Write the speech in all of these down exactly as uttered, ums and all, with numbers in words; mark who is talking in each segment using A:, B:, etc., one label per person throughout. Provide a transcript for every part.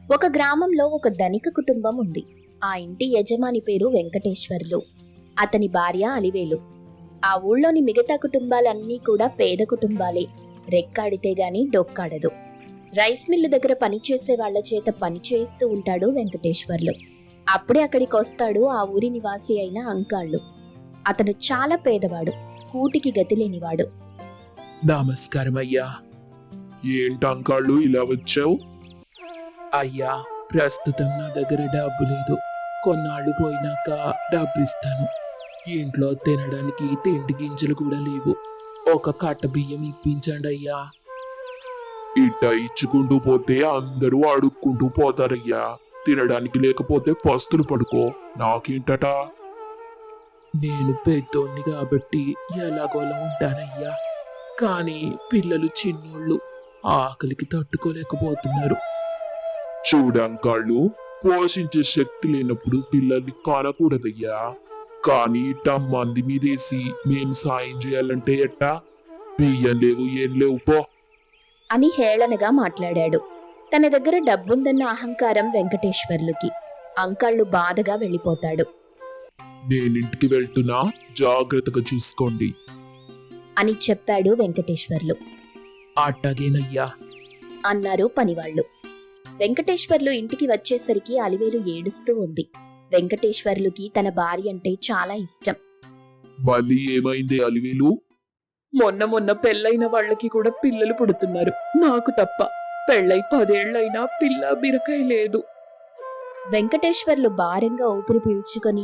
A: ఒక గ్రామంలో ఒక ధనిక కుటుంబం ఉంది. ఆ ఇంటి యజమాని పేరు వెంకటేశ్వర్లు. అతని భార్య అలివేలు. ఆ ఊళ్ళోని మిగతా కుటుంబాలన్నీ కూడా పేద కుటుంబాలే. రెక్కాడితే గాని డొక్కాడదు. రైస్ మిల్లు దగ్గర పనిచేసే వాళ్ల చేత పని చేయిస్తూ ఉంటాడు వెంకటేశ్వర్లు. అప్పుడే అక్కడికి వస్తాడు ఆ ఊరి నివాసి అయిన అంకాళ్ళు. అతను చాలా పేదవాడు, కూటికి గతి లేనివాడు.
B: నమస్కారం అయ్యా. ఏంటి అంకాళ్ళు ఇలా వచ్చావు? అయ్యా, ప్రస్తుతం నా దగ్గర డబ్బు లేదు. కొన్నాళ్ళు పోయినాక డబ్బు ఇస్తాను. ఇంట్లో తినడానికి తిండి గింజలు కూడా లేవు. ఒక కట్ట బియ్యం ఇప్పించండి అయ్యా. ఇట్ట ఇచ్చుకుంటూ పోతే అందరూ అడుక్కుంటూ పోతారయ్యా. తినడానికి లేకపోతే పస్తులు పడుకో. నాకేంటట? నేను పెద్దోణ్ణి కాబట్టి ఎలాగోలా ఉంటానయ్యా. కానీ పిల్లలు చిన్నోళ్ళు ఆకలికి తట్టుకోలేకపోతున్నారు. చూడంకాళ్ళు, పోషించే శక్తి లేనప్పుడు పిల్లల్ని కానకూడదయ్యా. కానీ ఇట్ట మంది మీదేసి మేము సాయం చేయాలంటే ఎట్టా? బియ్యం లేవు, ఏం లేవు, పో
A: అని హేళనగా మాట్లాడాడు. తన దగ్గర డబ్బుందన్న అహంకారం వెంకటేశ్వర్లుకి. అంకాళ్ళు బాధగా వెళ్ళిపోతాడు.
B: నేనింటికి వెళ్తున్నా, జాగ్రత్తగా చూసుకోండి
A: అని చెప్పాడు వెంకటేశ్వర్లు.
B: అట్టగేనయ్యా
A: అన్నారు పనివాళ్లు. వెంకటేశ్వర్లు ఇంటికి వచ్చేసరికి అలివేలు ఏడుస్తూ ఉంది. వెంకటేశ్వర్లుకి తన భార్య అంటే చాలా ఇష్టం.
B: మళ్ళీ ఏమైంది అలివేలు?
C: మొన్న మొన్న పెళ్ళైన వాళ్ళకి కూడా పిల్లలు పుడుతున్నారు, నాకు తప్ప. పెళ్ళై పదేళ్లైనా పిల్ల బిరకాయ లేదు.
A: వెంకటేశ్వర్లు భారంగా ఊపిరి పీల్చుకొని,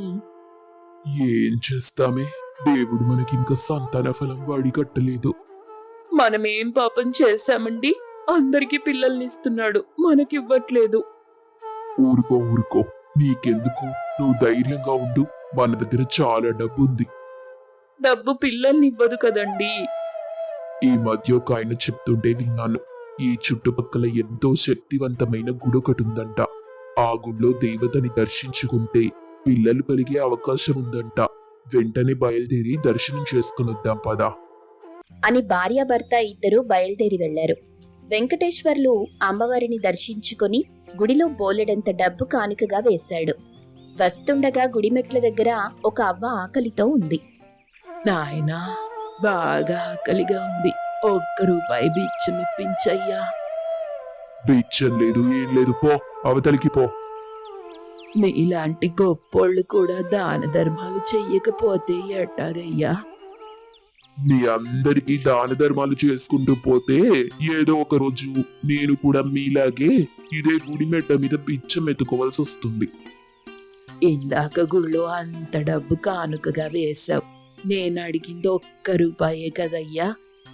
B: ఏం చేస్తామే, దేవుడు మనకింకా సంతాన ఫలం వాడి కట్టలేదు.
C: మనమేం పాపం చేశామండి? అందరికీ పిల్లల్నిస్తున్నాడు, మనకివ్వట్లేదు.
B: ఊరుకో ఊరుకో, నీకెందుకు? నువ్వు ధైర్యంగా ఉండు. మన దగ్గర చాలా డబ్బు ఉంది.
C: డబ్బు పిల్లల్నివ్వదు కదండి.
B: ఈ మధ్య ఒక ఆయన చెప్తుంటే విన్నాను. ఈ చుట్టుపక్కల ఎంతో శక్తివంతమైన గుడి ఒకటి ఉందంట. ఆ గుడిలో దేవతని దర్శించుకుంటే పిల్లలు కలిగే అవకాశం ఉందంట. వెంటనే బయలుదేరి దర్శనం చేసుకుని వద్దాం పదా
A: అని భార్యాభర్త ఇద్దరూ బయలుదేరి వెళ్లారు. వెంకటేశ్వర్లు అమ్మవారిని దర్శించుకొని గుడిలో బోలెడంత డబ్బు కానుకగా వేశాడు. వస్తుండగా గుడిమెట్ల దగ్గర ఒక అవ్వ ఆకలితో ఉంది.
C: నాయనా, బాగా ఆకలిగా ఉంది, ఒక్క రూపాయి బిచ్చం ఇప్పించయ్యా.
B: బిచ్చం లేదు, ఏం లేదు, పో అవతలికి పో.
C: మీలాంటి గొప్పోళ్ళు కూడా దాన ధర్మాలు చెయ్యకపోతే ఎట్టాగయ్యా?
B: మీ అందరికీ దాన ధర్మాలు చేసుకుంటూ పోతే ఏదో ఒక రోజు నేను కూడా మీలాగే ఇదే గుడి మెట్ట మీద బిచ్చం ఎత్తుకోవాల్సి వస్తుంది.
C: ఇందాక గుళ్ళో అంత డబ్బు కానుకగా వేశావు, నేను అడిగింది ఒక్క రూపాయే కదయ్యా.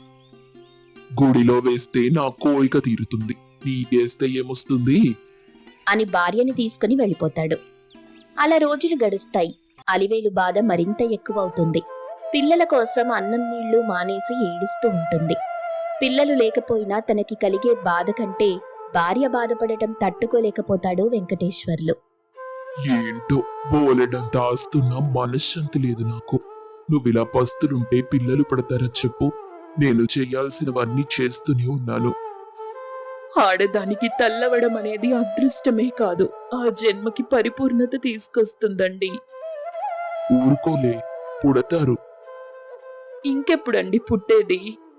B: గుడిలో వేస్తే నా కోరిక తీరుతుంది, నీకేస్తే ఏమొస్తుంది?
A: అని భార్యని తీసుకుని వెళ్ళిపోతాడు. అలా రోజులు గడుస్తాయి. అలివేలు బాధ మరింత ఎక్కువవుతుంది. పిల్లల కోసం అన్నం నీళ్లు మానేసి ఏడుస్తూ ఉంటుంది. పిల్లలు లేకపోయినా తనకి కలిగే బాధ కంటే భార్య బాధపడటం తట్టుకోలేకపోతాడు వెంకటేశ్వర్లు.
B: ఏంటో, బోలెడంత ఆస్తున్నా మనశ్శాంతి లేదు నాకు. నువ్విలా పస్తులుంటే పిల్లలు పడతారా చెప్పు? నేను చేయాల్సినవన్నీ చేస్తూనే ఉన్నాను.
C: ఆడదానికి తల్లవడం అనేది అదృష్టమే కాదు, ఆ జన్మకి పరిపూర్ణత తీసుకొస్తుందండి.
B: ఊరుకోలే, పుడతారు.
C: ఇంకెప్పుడండి పుట్టేది?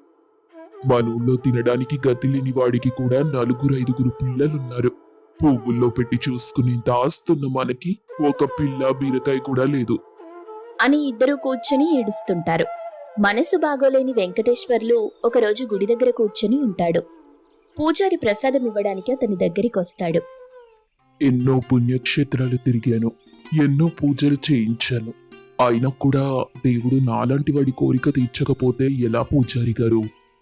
B: మన ఊళ్ళో తినడానికి గతి లేని వాడికి కూడా నలుగురు ఐదుగురు పిల్లలున్నారు. పువ్వుల్లో పెట్టి చూసుకునేంత ఆస్తున్న మనకి ఒక పిల్ల బీరకాయ కూడా లేదు
A: అని ఇద్దరూ కూర్చొని ఏడుస్తుంటారు. మనసు బాగోలేని వెంకటేశ్వర్లు ఒకరోజు గుడి దగ్గర కూర్చొని ఉంటాడు. పూజారి ప్రసాదం ఇవ్వడానికి అతని దగ్గరికొస్తాడు.
B: ఎన్నో పుణ్యక్షేత్రాలు తిరిగాను, ఎన్నో పూజలు చేయించాను. అయినా కూడా దేవుడు నాలాంటి వాడి కోరిక తీర్చకపోతే ఎలా పూజారి గారు?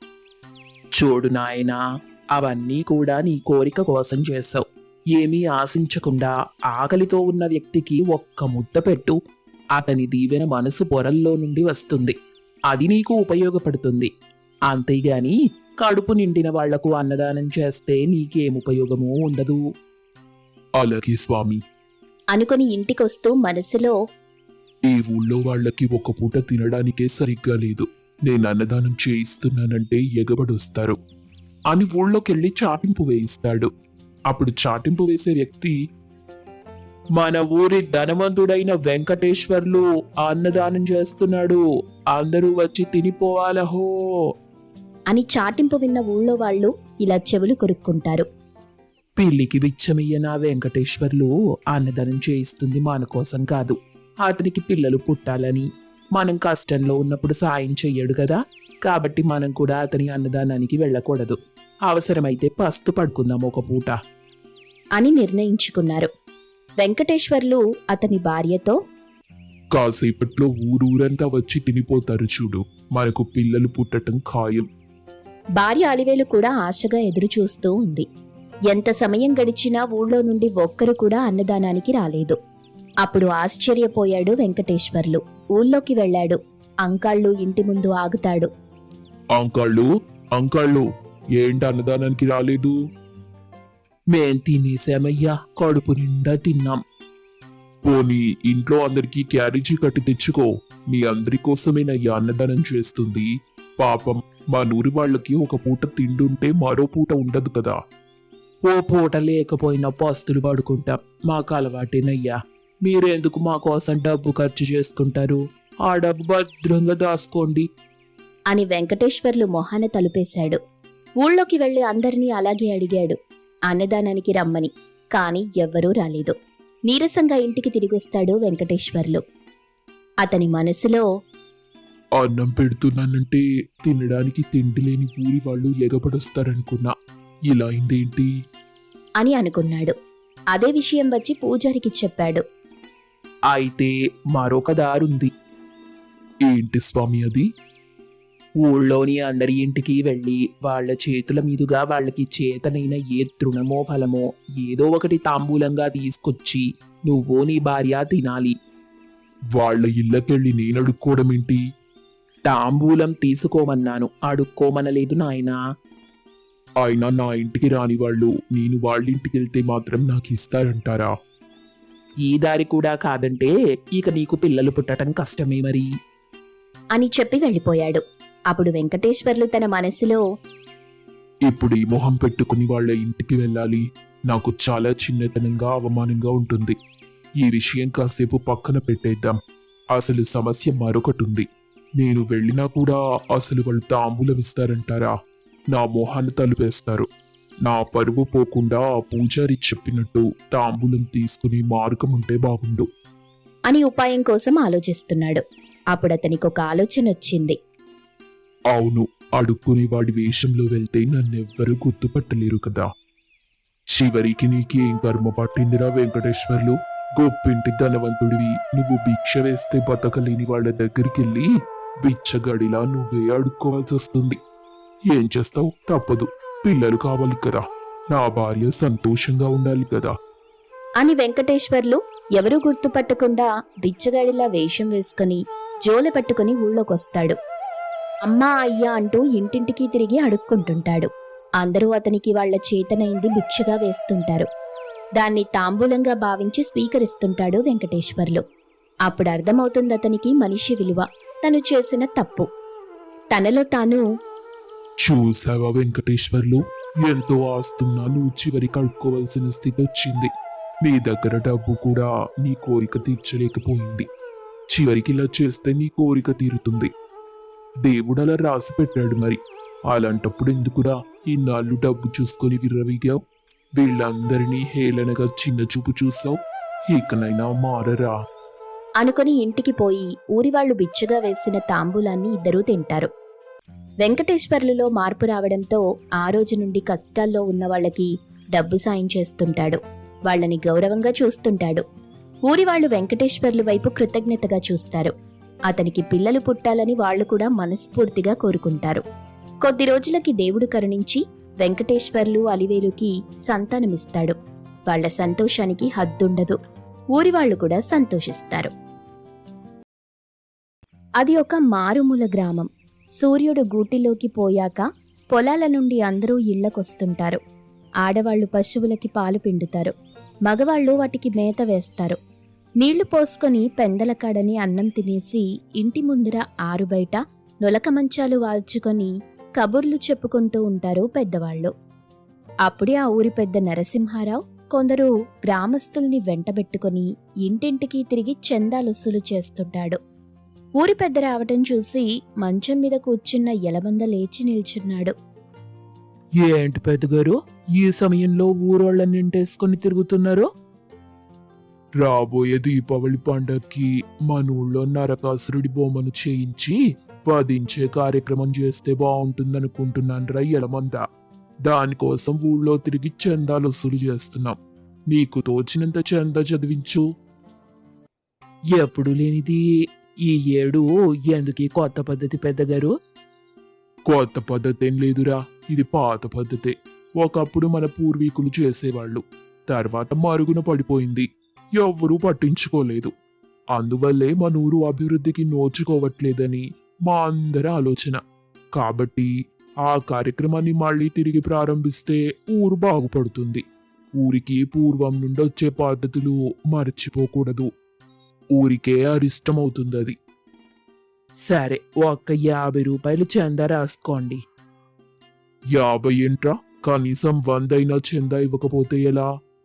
C: చూడు నాయనా, అవన్నీ కూడా నీ కోరిక కోసం చేశావు. ఏమీ ఆశించకుండా ఆకలితో ఉన్న వ్యక్తికి ఒక్క ముద్ద పెట్టు, అతని దీవెన మనసు పొరల్లో నుండి వస్తుంది. అది నీకు ఉపయోగపడుతుంది. అంతేగాని కడుపు నిండిన వాళ్లకు అన్నదానం చేస్తే నీకేం ఉపయోగమూ ఉండదు.
B: అలాగే స్వామి
A: అనుకుని ఇంటికొస్తూ మనసులో,
B: ఈ ఊళ్ళో వాళ్ళకి ఒక పూట తినడానికే సరిగ్గా లేదు. నేను అన్నదానం చేయిస్తున్నానంటే ఎగబడొస్తారు అని ఊళ్ళోకెళ్ళి చాటింపు వేయిస్తాడు. అప్పుడు చాటింపు వేసే వ్యక్తి,
C: మన ఊరి ధనవంతుడైన వెంకటేశ్వర్లు అన్నదానం చేస్తున్నాడు, అందరూ వచ్చి తినిపోవాలహో
A: అని చాటింపు విన్న ఊళ్ళో వాళ్ళు ఇలా చెవులు కొరుక్కుంటారు.
C: పిల్లికి బిచ్చమయ్య నా వెంకటేశ్వర్లు అన్నదానం చేయిస్తుంది మన కోసం కాదు, అతనికి పిల్లలు పుట్టాలని. మనం కష్టంలో ఉన్నప్పుడు సాయం చెయ్యడు కదా, కాబట్టి మనం కూడా అతని అన్నదానానికి వెళ్ళకూడదు. అవసరమైతే పస్తు పడుకుందాం ఒక పూట
A: అని నిర్ణయించుకున్నారు. వెంకటేశ్వర్లు అతని భార్యతో,
B: కాసేపట్లో ఊరూరంతా వచ్చి తినిపోతారు చూడు, మనకు పిల్లలు పుట్టటం ఖాయం.
A: భార్య అలివేలు కూడా ఆశగా ఎదురు చూస్తూ ఉంది. ఎంత సమయం గడిచినా ఊళ్ళో నుండి ఒక్కరు కూడా అన్నదానానికి రాలేదు. అప్పుడు ఆశ్చర్యపోయాడు వెంకటేశ్వర్లు. ఊళ్ళోకి వెళ్ళాడు. అంకాళ్ళు ఇంటి ముందు ఆగుతాడు.
B: అంకాళ్ళు అంకాళ్ళు ఏంటి అన్నదానానికి రాలేదు?
C: మేం తినేసామయ్యా, కడుపు నిండా తిన్నాం.
B: పోనీ ఇంట్లో అందరికీ క్యారేజీ కట్టి తెచ్చుకో, మీ అందరి కోసమేనయ్యా అన్నదానం చేస్తుంది. పాపం మా నూరి వాళ్ళకి ఒక పూట తిండుంటే మరో పూట ఉండదు కదా.
C: ఓ పూట లేకపోయినా పస్తులు పడుకుంటాం, మాకు అలవాటేనయ్యా. మీరెందుకు మా కోసం డబ్బు ఖర్చు చేసుకుంటారు? ఆ డబ్బు భద్రంగా దాసుకోండి
A: అని వెంకటేశ్వర్లు మొహాన తలుపేశాడు. ఊళ్ళోకి వెళ్లి అందరినీ అలాగే అడిగాడు అన్నదానానికి రమ్మని. కాని ఎవ్వరూ రాలేదు. నీరసంగా ఇంటికి తిరిగొస్తాడు వెంకటేశ్వర్లు. అతని మనసులో,
B: అన్నం పెడుతున్నానంటే తినడానికి తిండి లేని ఊరి వాళ్ళు ఎగబడొస్తారనుకున్నా, ఇలా అయిందేంటి
A: అని అనుకున్నాడు. అదే విషయం వచ్చి పూజారికి చెప్పాడు.
C: అయితే మరొక దారుంది.
B: ఏంటి స్వామి అది?
C: ఊళ్ళోని అందరి ఇంటికి వెళ్ళి వాళ్ళ చేతుల మీదుగా వాళ్ళకి చేతనైన ఏ తృణమో ఫలమో ఏదో ఒకటి తాంబూలంగా తీసుకొచ్చి నువ్వు నీ భార్య తినాలి.
B: వాళ్ళ ఇళ్ళకెళ్ళి నేను అడుక్కోవడమేంటి?
C: తాంబూలం తీసుకోమన్నాను, అడుక్కోమనలేదు నాయనా.
B: అయినా నా ఇంటికి రాని వాళ్ళు నేను వాళ్ళింటికి వెళ్తే మాత్రం నాకు ఇస్తారంటారా?
C: ఈ దారి కూడా కాదంటే ఇక నీకు పిల్లలు పుట్టడం కష్టమే మరి
A: అని చెప్పి వెళ్ళిపోయాడు. అప్పుడు వెంకటేశ్వర్లు తన మనసులో,
B: ఇప్పుడు ఈ మొహం పెట్టుకుని వాళ్ళ ఇంటికి వెళ్ళాలి, నాకు చాలా చిన్నతనంగా అవమానంగా ఉంటుంది. ఈ విషయం కాసేపు పక్కన పెట్టేద్దాం. అసలు సమస్య మరొకటి ఉంది. నేను వెళ్ళినా కూడా అసలు వాళ్ళు తాంబూలం ఇస్తారంటారా? నా మొహాన్ని తలుపేస్తారు. నా పరువు పోకుండా పూజారి చెప్పినట్టు తాంబూలం తీసుకుని మార్గం ఉంటే బాగుండు
A: అని ఉపాయం కోసం ఆలోచిస్తున్నాడు. అప్పుడు అతనికి ఒక ఆలోచన వచ్చింది.
B: అవును, అడుక్కునే వాడి వేషంలో వెళ్తే నన్నెవ్వరూ గుర్తుపట్టలేరు కదా. చివరికి నీకేం కర్మ పట్టిందిరా వెంకటేశ్వర్లు? గొప్పింటి ధనవంతుడివి, నువ్వు భిక్ష వేస్తే బతకలేని వాళ్ళ దగ్గరికెళ్ళి బిచ్చగడిలా నువ్వే అడుక్కోవాల్సి వస్తుంది. ఏం చేస్తావు? తప్పదు, పిల్లలు కావాలి కదా, నా భార్య సంతోషంగా ఉండాలి కదా
A: అని వెంకటేశ్వర్లు ఎవరూ గుర్తుపట్టకుండా బిచ్చగాడిలా వేషం వేసుకుని జోల పట్టుకుని ఊళ్ళోకొస్తాడు. అమ్మా అయ్యా అంటూ ఇంటింటికి తిరిగి అడుక్కుంటుంటాడు. అందరూ అతనికి వాళ్ల చేతనైంది భిక్షగా వేస్తుంటారు. దాన్ని తాంబూలంగా భావించి స్వీకరిస్తుంటాడు వెంకటేశ్వర్లు. అప్పుడు అర్థమవుతుంది అతనికి మనిషి విలువ, తను చేసిన తప్పు. తనలో తాను,
B: చూసావా వెంకటేశ్వర్లు, ఎంతో ఆస్తున్నా నువ్వు చివరికి అడుక్కోవాల్సిన స్థితి వచ్చింది. నీ దగ్గర డబ్బు కూడా నీ కోరిక తీర్చలేకపోయింది. చివరికి ఇలా చేస్తే నీ కోరిక తీరుతుంది. దేవుడు అలా రాసి పెట్టాడు మరి. అలాంటప్పుడు ఎందుకురా ఇన్నాళ్ళు డబ్బు చూసుకొని విర్రవీగావు? వీళ్ళందరినీ హేళనగా చిన్న చూపు చూసావు. ఇకనైనా మారరా
A: అనుకుని ఇంటికి పోయి ఊరివాళ్లు బిచ్చగా వేసిన తాంబూలాన్ని ఇద్దరూ తింటారు. వెంకటేశ్వర్లులో మార్పు రావడంతో ఆ రోజు నుండి కష్టాల్లో ఉన్న వాళ్ళకి డబ్బు సాయం చేస్తుంటాడు. వాళ్ళని గౌరవంగా చూస్తుంటాడు. ఊరివాళ్లు వెంకటేశ్వర్లు వైపు కృతజ్ఞతగా చూస్తారు. అతనికి పిల్లలు పుట్టాలని వాళ్లు కూడా మనస్ఫూర్తిగా కోరుకుంటారు. కొద్ది రోజులకి దేవుడు కరుణించి వెంకటేశ్వర్లు అలివేలుకి సంతానమిస్తాడు. వాళ్ల సంతోషానికి హద్దుండదు. ఊరివాళ్లు కూడా సంతోషిస్తారు. అది ఒక మారుమూల గ్రామం. సూర్యుడు గూటిలోకి పోయాక పొలాల నుండి అందరూ ఇళ్లకొస్తుంటారు. ఆడవాళ్లు పశువులకి పాలు పిండుతారు. మగవాళ్లు వాటికి మేత వేస్తారు. నీళ్లు పోసుకొని పెందల కాడని అన్నం తినేసి ఇంటి ముందర ఆరుబయట నులక మంచాలు వాల్చుకొని కబుర్లు చెప్పుకుంటూ ఉంటారు పెద్దవాళ్లు. అప్పుడే ఆ ఊరి పెద్ద నరసింహారావు కొందరు గ్రామస్తుల్ని వెంటబెట్టుకుని ఇంటింటికి తిరిగి చందాలొస్సులు చేస్తుంటాడు. ఊరి పెద్ద రావటం చూసి మంచం మీద కూర్చున్న ఎలమంద లేచి నిల్చున్నాడు.
C: ఏంటి పెద్దగారు ఈ సమయంలో ఊరోళ్ళని నింటేసుకుని తిరుగుతున్నారు?
B: రాబోయే దీపావళి పండక్కి మన ఊళ్ళో నరకాసురుడి బొమ్మను చేయించి వధించే కార్యక్రమం చేస్తే బాగుంటుందనుకుంటున్నాను రా ఎలమంద. దానికోసం ఊళ్ళో తిరిగి చందాలు వసూలు చేస్తున్నాం. నీకు తోచినంత చందా చదివించు.
C: ఎప్పుడు లేనిది ఈ ఏడు ఎందుకీ కొత్త పద్ధతి పెద్దగారు?
B: కొత్త పద్ధతి ఏం లేదురా, ఇది పాత పద్ధతే. ఒకప్పుడు మన పూర్వీకులు చేసేవాళ్ళు, తర్వాత మరుగున పడిపోయింది, ఎవ్వరూ పట్టించుకోలేదు. అందువల్లే మన ఊరు అభివృద్ధికి నోచుకోవట్లేదని మా అందరి ఆలోచన. కాబట్టి ఆ కార్యక్రమాన్ని మళ్ళీ తిరిగి ప్రారంభిస్తే ఊరు బాగుపడుతుంది. ఊరికి పూర్వం నుండి వచ్చే పద్ధతులు మర్చిపోకూడదు. ఊరికే అరిష్టమవుతుంది అది.
C: సరే, ఒక్క యాభై రూపాయలు చందా రాసుకోండి.
B: యాభై ఏంట్రా, కనీసం వందైనా చందా ఇవ్వకపోతే ఎలా?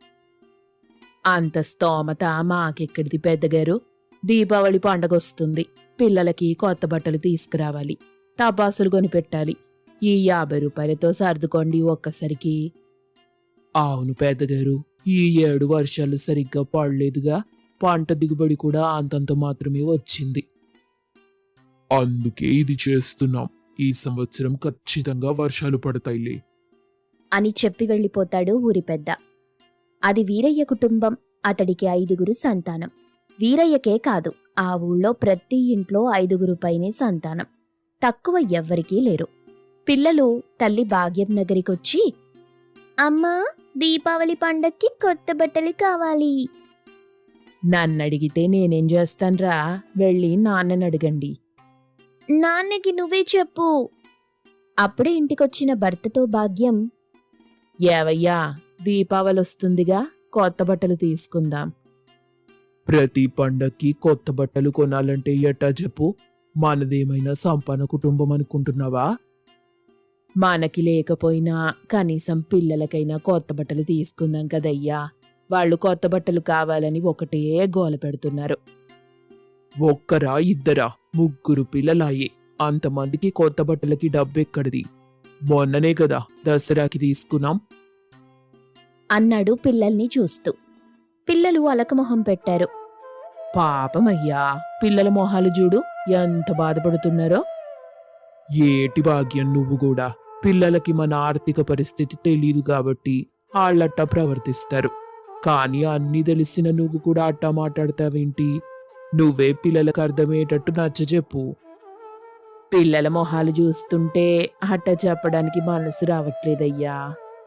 C: అంత స్తోమత మాకెక్కడిది పెద్దగారు. దీపావళి పండగ వస్తుంది, పిల్లలకి కొత్త బట్టలు తీసుకురావాలి, టపాసులు కొనిపెట్టాలి. ఈ యాభై రూపాయలతో సర్దుకోండి ఒక్కసారికి. అవును పెద్దగారు, ఈ ఏడు వర్షాలు సరిగ్గా పడలేదుగా, పంట దిగుబడి కూడా అంతంత మాత్రమే వచ్చింది.
B: అందుకే ఇది చేస్తున్నాం. ఈ సంవత్సరం ఖచ్చితంగా వర్షాలు పడతాయిలే
A: అని చెప్పి వెళ్ళిపోతాడు ఊరి పెద్ద. అది వీరయ్య కుటుంబం. అతడికి ఐదుగురు సంతానం. వీరయ్యకే కాదు, ఆ ఊళ్ళో ప్రతి ఇంట్లో ఐదుగురు పైనే సంతానం. తక్కువ ఎవ్వరికీ లేరు. పిల్లలు తల్లి భాగ్యం దగ్గరికొచ్చి, అమ్మా, దీపావళి పండక్కి కొత్త బట్టలు కావాలి.
C: నన్నడిగితే నేనేం చేస్తాన్రా, వెళ్ళి నాన్నని అడగండి.
A: నాన్నకి నువ్వే చెప్పు. అప్పుడే ఇంటికొచ్చిన భర్తతో భాగ్యం,
C: ఏవయ్యా, దీపావళి వస్తుందిగా, కొత్త బట్టలు తీసుకుందాం.
B: ప్రతి పండక్కి కొత్త బట్టలు కొనాలంటే ఎట్టా చెప్పు? మనదేమైనా సంపన్న కుటుంబం అనుకుంటున్నావా?
C: మనకి లేకపోయినా కనీసం పిల్లలకైనా కొత్త బట్టలు తీసుకుందాం కదయ్యా. వాళ్ళు కొత్త బట్టలు కావాలని ఒకటే గోల పెడుతున్నారు.
B: ఒక్కరా ఇద్దరా? ముగ్గురు పిల్లలాయే. అంతమందికి కొత్త బట్టలకి డబ్బెక్కడిది? మొన్ననే కదా దసరాకి తీసుకున్నాం
A: అన్నాడు పిల్లల్ని చూస్తూ. పిల్లలు అలకమొహం పెట్టారు.
C: పాపమయ్యా, పిల్లల మొహాలు చూడు ఎంత బాధపడుతున్నారో.
B: ఏటి భాగ్యం, నువ్వు కూడా. పిల్లలకి మన ఆర్థిక పరిస్థితి తెలీదు కాబట్టి వాళ్ళట్టా ప్రవర్తిస్తారు. కానీ అన్నీ తెలిసిన నువ్వు కూడా అట్టా మాట్లాడతావేంటి? నువ్వే పిల్లలకు అర్థమయ్యేటట్టు నచ్చజెప్పు.
C: పిల్లల మొహాలు చూస్తుంటే అట్ట చెప్పడానికి మనసు రావట్లేదయ్యా.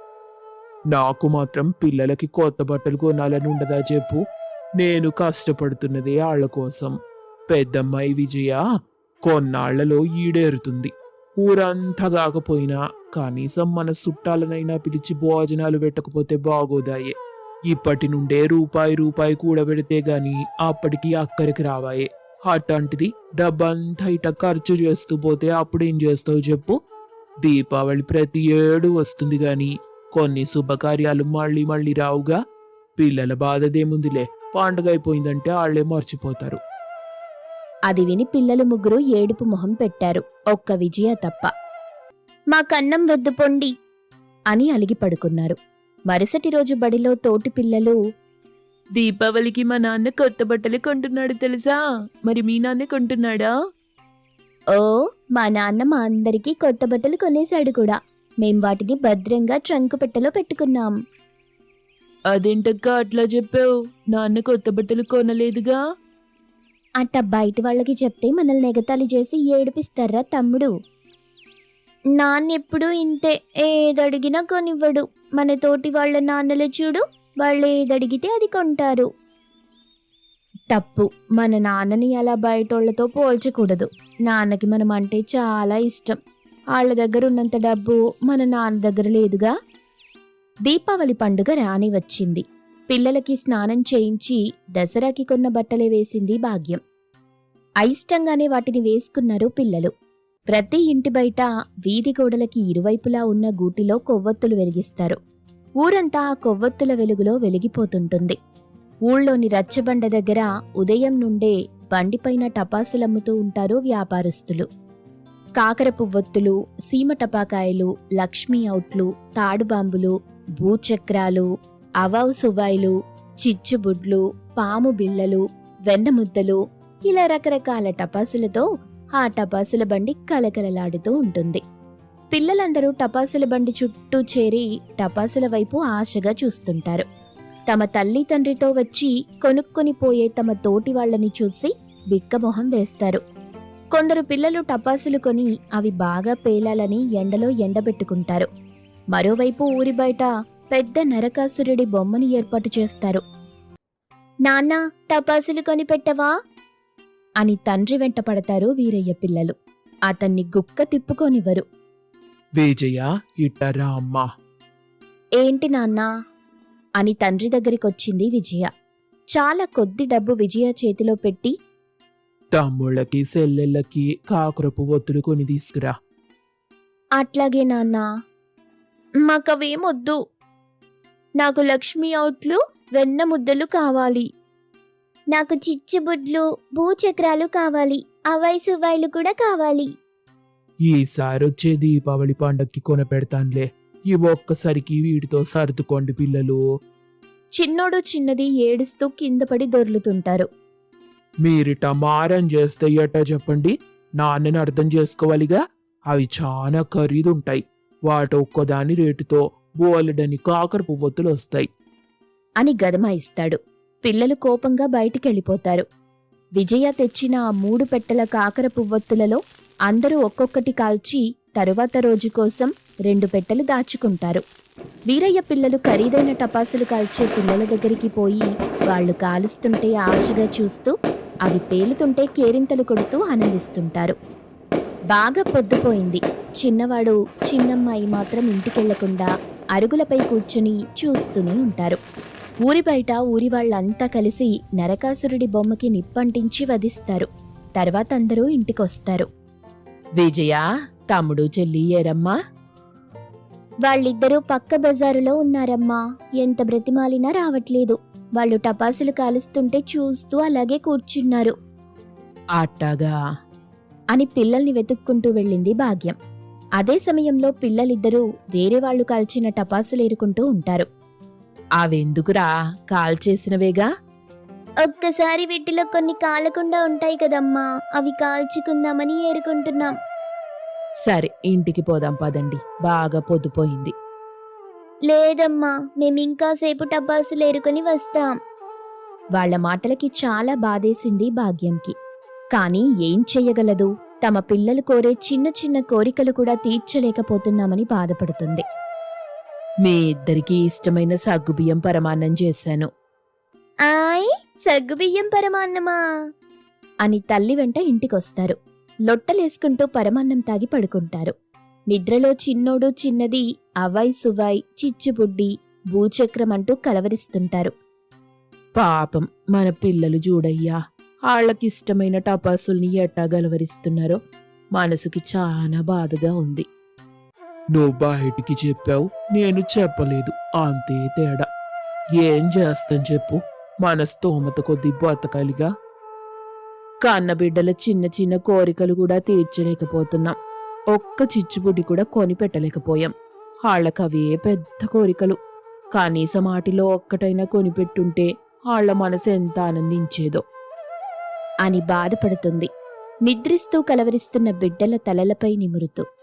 B: నాకు మాత్రం పిల్లలకి కొత్త బట్టలు కొనాలని ఉండదా చెప్పు? నేను కష్టపడుతున్నదే వాళ్ళ కోసం. పెద్దమ్మాయి విజయ కొన్నాళ్లలో ఈడేరుతుంది. ఊరంతా కాకపోయినా కనీసం మన చుట్టాలనైనా పిలిచి భోజనాలు పెట్టకపోతే బాగోదాయే. ఇప్పటి నుండే రూపాయి రూపాయి కూడబెడితే గాని అప్పటికి అక్కడికి రావాయే. అట్లాంటిది డబ్బంతా ఇట ఖర్చు చేస్తూ పోతే అప్పుడేం చేస్తావు చెప్పు? దీపావళి ప్రతి ఏడు వస్తుంది గాని కొన్ని శుభకార్యాలు మళ్ళీ మళ్ళీ రావుగా. పిల్లల బాధదేముందిలే, పండుగ అయిపోయిందంటే వాళ్లే మర్చిపోతారు.
A: అది విని పిల్లలు ముగ్గురు ఏడుపు మొహం పెట్టారు, ఒక్క విజయ తప్ప. మా కన్నం వద్దు పొండి అని అలిగి పడుకున్నారు. మరుసటి రోజు బడిలో తోటి పిల్లలు,
C: దీపావళికి మా నాన్న కొత్త బట్టలు కొంటున్నాడు తెలుసా, మరి మీ నాన్న కొంటున్నాడా?
A: ఓ, మా నాన్న మా అందరికీ కొత్త బట్టలు కొనేశాడు కూడా. మేం వాటిని భద్రంగా ట్రంకు పెట్టెలో పెట్టుకున్నాం.
C: అదేంటక్క అట్లా చెప్పావు? నాన్న కొత్త బట్టలు కొనలేదుగా.
A: అట్ట బయట వాళ్ళకి చెప్తే మనల్ని ఎగతాళి చేసి ఏడిపిస్తారా తమ్ముడు? నాన్నెప్పుడు ఇంతే, ఏదడిగినా కొనివ్వడు. మన తోటి వాళ్ళ నాన్నలు చూడు, వాళ్ళు ఏదడిగితే అది కొంటారు. తప్పు, మన నాన్నని అలా బయటోళ్లతో పోల్చకూడదు. నాన్నకి మనం అంటే చాలా ఇష్టం. వాళ్ళ దగ్గర ఉన్నంత డబ్బు మన నాన్న దగ్గర లేదుగా. దీపావళి పండుగ రాని వచ్చింది. పిల్లలకి స్నానం చేయించి దసరాకి కొన్న బట్టలే వేసింది భాగ్యం. అయిష్టంగానే వాటిని వేసుకున్నారు పిల్లలు. ప్రతి ఇంటి బయట వీధి గోడలకి ఇరువైపులా ఉన్న గూటిలో కొవ్వొత్తులు వెలిగిస్తారు. ఊరంతా ఆ కొవ్వొత్తుల వెలుగులో వెలిగిపోతుంటుంది. ఊళ్ళోని రచ్చబండ దగ్గర ఉదయం నుండే బండిపైన టపాసులమ్ముతూ ఉంటారు వ్యాపారస్తులు. కాకర పువ్వొత్తులు, సీమ టపాకాయలు, లక్ష్మీ ఔట్లు, తాడుబాంబులు, భూచక్రాలు, అవావు సువాయిలు, చిచ్చుబుడ్లు, పాము బిళ్ళలు, వెన్నముద్దలు, ఇలా రకరకాల టపాసులతో ఆ టపాసుల బండి కలకలలాడుతూ ఉంటుంది. పిల్లలందరూ టపాసుల బండి చుట్టూ చేరి టపాసుల వైపు ఆశగా చూస్తుంటారు. తమ తల్లి తండ్రితో వచ్చి కొనుక్కొని పోయే తమ తోటి వాళ్లని చూసి బిక్కమొహం వేస్తారు. కొందరు పిల్లలు టపాసులు కొని అవి బాగా పేలాలని ఎండలో ఎండబెట్టుకుంటారు. మరోవైపు ఊరి బయట పెద్ద నరకాసురుడి బొమ్మని ఏర్పాటు చేస్తారు. నాన్నా, టపాసులు కొని పెట్టవా అని తండ్రి వెంట పడతారు వీరయ్య పిల్లలు. అతన్ని గుక్క తిప్పుకోనివ్వరు.
C: విజయ, ఇట్టరా అమ్మా.
A: ఏంటి నాన్నా అని తండ్రి దగ్గరికొచ్చింది విజయ. చాలా కొద్ది డబ్బు విజయ చేతిలో పెట్టి,
C: తమ్ముళ్ళకి సెల్లెళ్ళకి కాకరపు ఒత్తులు కొని తీసుకురా.
A: అట్లాగే నాన్నా. మాకవేమొద్దు. నాకు లక్ష్మీ ఔట్లు, వెన్న ముద్దలు కావాలి. నాకు చిచ్చుబుడ్లు, భూచక్రాలు కావాలి. అవై సువాయిలు కూడా కావాలి.
C: ఈసారి వచ్చే దీపావళి పండక్కి కొనపెడతాన్లే. ఈ ఒక్కసారికి వీటితో సర్దుకోండి పిల్లలు.
A: చిన్నోడు చిన్నది ఏడుస్తూ కింద పడి దొర్లుతుంటారు.
C: మీరిట మారం చేస్తే ఎట్టా చెప్పండి? నాన్నని అర్థం చేసుకోవాలిగా. అవి చాలా ఖరీదుంటాయి. వాటి ఒక్కదాని రేటుతో బోలెడని కాకర పువ్వొత్తులు వస్తాయి
A: అని గదమాయిస్తాడు. పిల్లలు కోపంగా బయటికెళ్ళిపోతారు. విజయ తెచ్చిన ఆ మూడు పెట్టెల కాకర పువ్వొత్తులలో అందరూ ఒక్కొక్కటి కాల్చి తరువాత రోజు కోసం రెండు పెట్టెలు దాచుకుంటారు. వీరయ్య పిల్లలు ఖరీదైన టపాసులు కాల్చే పిల్లల దగ్గరికి పోయి వాళ్లు కాలుస్తుంటే ఆశగా చూస్తూ, అవి పేలుతుంటే కేరింతలు కొడుతూ ఆనందిస్తుంటారు. బాగా పొద్దుపోయింది. చిన్నవాడు చిన్నమ్మాయి మాత్రం ఇంటికెళ్లకుండా అరుగులపై కూర్చుని చూస్తూనే ఉంటారు. ఊరి బయట ఊరి వాళ్ళంతా కలిసి నరకాసురుడి బొమ్మకి నిప్పంటించి వధిస్తారు. తర్వాత అందరూ ఇంటికొస్తారు. విజయ, తమ్ముడు చెల్లి ఏరమ్మా? వాళ్ళిద్దరూ పక్క బజారులో ఉన్నారమ్మా. ఎంత బ్రతిమాలినా రావట్లేదు. వాళ్ళు టపాసులు కాలుస్తుంటే చూస్తూ అలాగే కూర్చున్నారు.
C: అట్టాగా
A: అని పిల్లల్ని వెతుక్కుంటూ వెళ్ళింది భాగ్యం. అదే సమయంలో పిల్లలిద్దరూ వేరే వాళ్లు కాల్చిన టపాసులు ఏరుకుంటూ ఉంటారు.
C: అవెందుకురా? కాల్చేసినవేగా.
A: ఒక్కసారి వీటిలో కొన్ని కాలకుండా ఉంటాయి కదమ్మా, అవి కాల్చుకుందామని ఏరుకుంటున్నాం.
C: సరే, ఇంటికి పోదాం పదండి. బాగా పొద్దుపోయింది.
A: లేదమ్మా, మేమింకాసేపు టపాసులు ఏరుకొని వస్తాం. వాళ్ల మాటలకి చాలా బాధేసింది భాగ్యంకి. కాని ఏం చెయ్యగలదు? తమ పిల్లలు కోరే చిన్న చిన్న కోరికలు కూడా తీర్చలేకపోతున్నామని బాధపడుతుంది.
C: మీ ఇద్దరికీ ఇష్టమైన సగ్గుబియ్యం పరమాన్నం చేశాను.
A: ఆయ్, సగ్గుబియ్యం పరమాన్నమా అని తల్లి వెంట ఇంటికొస్తారు. లొట్టలేసుకుంటూ పరమాన్నం తాగి పడుకుంటారు. నిద్రలో చిన్నోడు చిన్నది అవాయ్ సువాయ్, చిచ్చుబుడ్డి, భూచక్రం అంటూ కలవరిస్తుంటారు.
C: పాపం మన పిల్లలు చూడయ్యా, వాళ్ళకిష్టమైన టపాసుల్ని ఎట్టా గలవరిస్తున్నారో మనసుకి చాలా బాధగా ఉంది. నువ్వు బయటికి చెప్పావు, నేను చెప్పలేదు, అంతే తేడా. ఏం చేస్తాం చెప్పు, మన స్తోమత కొద్దీ బతకాలిగా. కన్నబిడ్డల చిన్న చిన్న కోరికలు కూడా తీర్చలేకపోతున్నాం. ఒక్క చిచ్చుబుడ్డి కూడా కొని పెట్టలేకపోయాం. వాళ్ళకవే పెద్ద కోరికలు. కనీసం వాటిలో ఒక్కటైనా కొనిపెట్టుంటే వాళ్ళ మనసు ఎంత ఆనందించేదో అని బాధపడుతుంది. నిద్రిస్తూ కలవరిస్తున్న బిడ్డల తలలపై నిమురుతూ.